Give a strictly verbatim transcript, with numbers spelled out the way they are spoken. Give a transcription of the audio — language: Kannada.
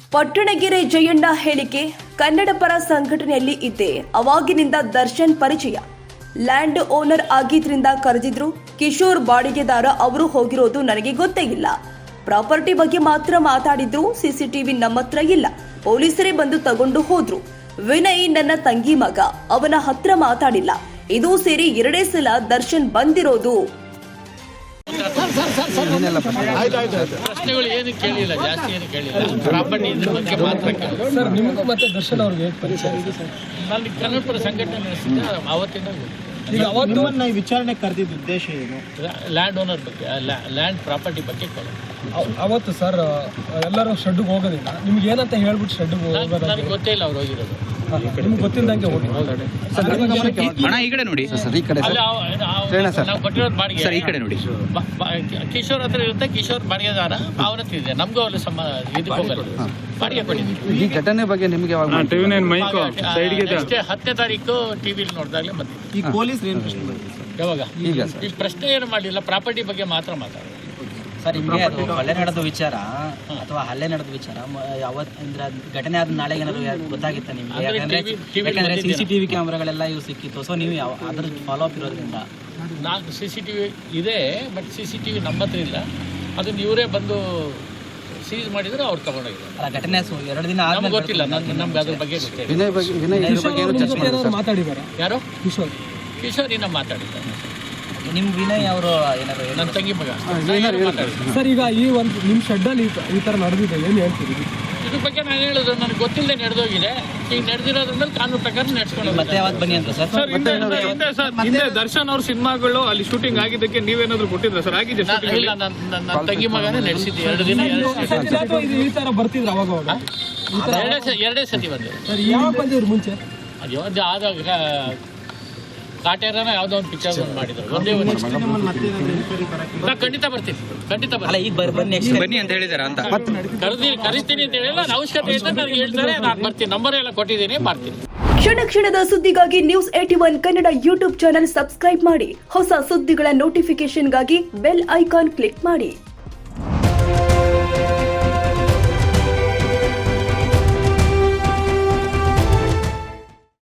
ಪಟ್ಟಣಗೆರೆ ಜಯಣ್ಣ ಹೇಳಿಕೆ, ಕನ್ನಡ ಪರ ಸಂಘಟನೆಯಲ್ಲಿ ಇದ್ದೆ, ಅವಾಗಿನಿಂದ ದರ್ಶನ್ ಪರಿಚಯ. ಲ್ಯಾಂಡ್ ಓನರ್ ಆಗಿದ್ರಿಂದ ಕರೆದಿದ್ರು. ಕಿಶೋರ್ ಬಾಡಿಗೆದಾರ, ಅವರು ಹೋಗಿರೋದು ನನಗೆ ಗೊತ್ತೇ ಇಲ್ಲ. ಪ್ರಾಪರ್ಟಿ ಬಗ್ಗೆ ಮಾತ್ರ ಮಾತಾಡಿದ್ರು. ಸಿಸಿಟಿವಿ ನಮ್ಮ ಹತ್ರ ಇಲ್ಲ, ಪೊಲೀಸರೇ ಬಂದು ತಗೊಂಡು ಹೋದ್ರು. ವಿನಯ್ ನನ್ನ ತಂಗಿ ಮಗ, ಅವನ ಹತ್ರ ಮಾತಾಡಿಲ್ಲ. ಇದು ಸೇರಿ ಎರಡೇ ಸಲ ದರ್ಶನ್ ಬಂದಿರೋದು. ಪ್ರಶ್ನೆಗಳು ಏನು ಕೇಳಿಲ್ಲ, ಜಾಸ್ತಿ ಏನು ಕೇಳಿಲ್ಲ. ಪ್ರಾಪರ್ಟಿ ಇದ್ರ ಬಗ್ಗೆ ಮಾತ್ರ ಕೇಳಿಲ್ಲ. ಸರ್, ನಿಮಗೂ ಮತ್ತೆ ದರ್ಶನ್ ಅವ್ರಿಗೆ ಹೇಗೆ ಪರಿಚಯ ಇದೆ ಸರ್? ನಾನು ಕನ್ನಡ ಪರ ಸಂಘಟನೆ ನಡೆಸಿದ್ದೆ ಅವತ್ತಿಂದ. ಈಗ ಅವತ್ತು ವಿಚಾರಣೆ ಕರೆದಿದ್ದ ಉದ್ದೇಶ ಏನು? ಲ್ಯಾಂಡ್ ಓನರ್ ಬಗ್ಗೆ, ಲ್ಯಾಂಡ್ ಪ್ರಾಪರ್ಟಿ ಬಗ್ಗೆ ಕೇಳಿ. ಅವತ್ತು ಸರ್ ಎಲ್ಲರೂ ಶೆಡ್ಗೆ ಹೋಗೋದಿಲ್ಲ, ನಿಮ್ಗೆ ಏನಂತ ಹೇಳ್ಬಿಟ್ಟು ಶೆಡ್ಗೆ ಹೋಗೋದು ನನಗೆ ಗೊತ್ತೇ ಇಲ್ಲ ಅವ್ರು ಹೋಗಿರೋದು. ನಿಮ್ಗೆ ಗೊತ್ತಿಲ್ಲದಂಗೆ ಹೋಗಿ ಹಣ ಈ ಕಡೆ ನೋಡಿ ಸರ್, ಈ ಕಡೆ ನಾವು ಕೊಟ್ಟಿರೋದು ಬಾಡಿಗೆ ಸರ್, ಈ ಕಡೆ ನೋಡಿ. ಕಿಶೋರ್ ಹತ್ರ ಇರುತ್ತೆ, ಕಿಶೋರ್ ಬಾಡಿಗೆದಾರ ಅವನ ಹತ್ರ ಇದೆ. ನಮಗೂ ಅಲ್ಲಿ ಸಮ ಇದಕ್ಕೆ ಹೋಗಲ್ಲ, ಬಾಡಿಗೆ ಕೊಟ್ಟಿದ್ದೀವಿ. ಈ ಘಟನೆ ಬಗ್ಗೆ ನಿಮಗೆ ಅಷ್ಟೇ ಹತ್ತನೇ ತಾರೀಕು ಟಿವಿಲಿ ನೋಡಿದಾಗಲೇ ಬಂದಿದೆ. ಈ ಪೊಲೀಸ್ ಏನು ಪ್ರಶ್ನೆ ಬಂದಿದೆ ಸರ್? ಯಾವಾಗ ಈಗ ಈ ಪ್ರಶ್ನೆ ಏನು ಮಾಡಲಿಲ್ಲ, ಪ್ರಾಪರ್ಟಿ ಬಗ್ಗೆ ಮಾತ್ರ ಮಾತಾಡೋದು. ಸರ್, ನಿಮಗೆ ಅದು ಹಲ್ಲೆ ನಡೆದ ವಿಚಾರ ಅಥವಾ ಹಲ್ಲೆ ನಡೆದ ವಿಚಾರ ಯಾವತ್ತು ಅಂದ್ರೆ ಘಟನೆ ಆದ ನಾಳೆ ಏನಾದ್ರು ಗೊತ್ತಾಗಿತ್ತ ನಿಮಗೆ? ಯಾಕಂದ್ರೆ ಯಾಕಂದ್ರೆ ಸಿ ಸಿ ಟಿವಿ ಕ್ಯಾಮ್ರಾಗಳೆಲ್ಲ ಇವು ಸಿಕ್ಕಿತ್ತು. ಸೊ ನೀವು ಯಾವ ಅದ್ರ ಫಾಲೋ ಅಪ್ ಇರೋದ್ರಿಂದ ನಾಲ್ಕು ಸಿ ಸಿ ಟಿ ವಿ ಇದೆ, but C C T V ನಮ್ಮ ಹತ್ರ ಇಲ್ಲ. ಅದನ್ನ ಇವರೇ ಬಂದು ಸೀಸ್ ಮಾಡಿದ್ರೆ ಅವ್ರು ತಗೊಂಡೋಗಿದ್ದಾರೆ. ಅಲ್ಲ, ಘಟನೆ ಎರಡು ದಿನ ನಮ್ಗೆ ಗೊತ್ತಿಲ್ಲ, ನನ್ಗೆ ನಮ್ಗೆ ಅದ್ರ ಬಗ್ಗೆ ಗೊತ್ತಿಲ್ಲ. ವಿನಯ್ ಬಗ್ಗೆ ವಿನಯ್ ಇದ್ರ ಬಗ್ಗೆ ಏನು ಚರ್ಚೆ ಮಾಡಿದ್ರು? ಮಾತಾಡಿದ್ದಾರೆ ಯಾರು? ಕಿಶೋರ್ ಕಿಶೋರ್ ಇನ್ನ ಮಾತಾಡಿದ್ದಾರೆ. ನಿಮ್ ವಿನಯ್ ಅವರು ಏನಾದ್ರು ನನ್ನ ತಂಗಿ ಮಗ ಮಾತಾಡಿದ್ದಾರೆ. ಸರ್, ಈಗ ಈ ಒಂದು ನಿಮ್ಮ ಶೆಡ್ಡಲ್ಲಿ ಈ ಥರ ನಡೆದಿದೆ, ಏನು ಹೇಳ್ತೀರಿ ಇದ್ರ ಬಗ್ಗೆ ನಾನು ಹೇಳೋದು ನನಗೆ ಗೊತ್ತಿಲ್ಲದೆ ನಡೆದೋಗಿದೆ. ಈಗ ನಡೆದಿರೋದ್ರ ಮೇಲೆ ಕಾನೂನು ಪ್ರಕಾರ ನಡೆಸ್ಕೊಂಡು ಮತ್ತೆ ಯಾವತ್ತು ಬನ್ನಿ ಅಂತ ಸರ್? ಸರ್, ಹಿಂದೆ ಹಿಂದೆ ದರ್ಶನ್ ಅವ್ರ ಸಿನಿಮಾಗಳು ಅಲ್ಲಿ ಶೂಟಿಂಗ್ ಆಗಿದ್ದಕ್ಕೆ ನೀವೇನಾದ್ರು ಕೊಟ್ಟಿದ್ರ ಸರ್? ಆಗಿದೆ ಇಲ್ಲ, ನನ್ನ ತಂಗಿ ಮಗನೇ ನಡೆಸಿದ್ದೆ. ಎರಡು ದಿನ ಅಥವಾ ಇದು ಈ ಥರ ಬರ್ತಿದ್ರು ಅವಾಗ ಅವಾಗ? ಎರಡೇ ಎರಡೇ ಸತಿ ಬಂದಿದೆ ಸರ್, ಯಾವಾಗ ಬಂದಿದ್ರು ಮುಂಚೆ? ಅದು ಆದಾಗ ಕಾಟೇರನ ಯಾವುದೋ ಒಂದು ಪಿಕ್ಚರ್ ಮಾಡಿದ್ರು. ಒಂದೇ ಒಂದು ನಾ ಖಂಡಿತ ಬರ್ತೀನಿ, ಖಂಡಿತ ಅಲ್ಲ, ಬರ್ತೀನಿ. ಈಗ ಬರ್ ಬನ್ನಿ next time. ಬನ್ನಿ ಅಂತ ಹೇಳಿದಾರ ಅಂತ ಕರೆದಿ ಕರಿತೀನಿ ಅಂತ ಹೇಳಿಲ್ಲ, ನನ್ನ ಅವಶ್ಯಕತೆ ಇದೆ ನನಗೆ ಹೇಳ್ತಾರೆ, ನಾನು ಬರ್ತೀನಿ. ನಂಬರ್ ಎಲ್ಲ ಕೊಟ್ಟಿದ್ದೀನಿ, ಮಾಡ್ತೀನಿ. ಕ್ಷಣ ಕ್ಷಣದ ಸುದ್ದಿಗಾಗಿ news eighty one Kannada YouTube channel subscribe ಮಾಡಿ. ಹೊಸ ಸುದ್ದಿಗಳ ನೋಟಿಫಿಕೇಶನ್ಗಾಗಿ ಬೆಲ್ ಐಕಾನ್ ಕ್ಲಿಕ್ ಮಾಡಿ.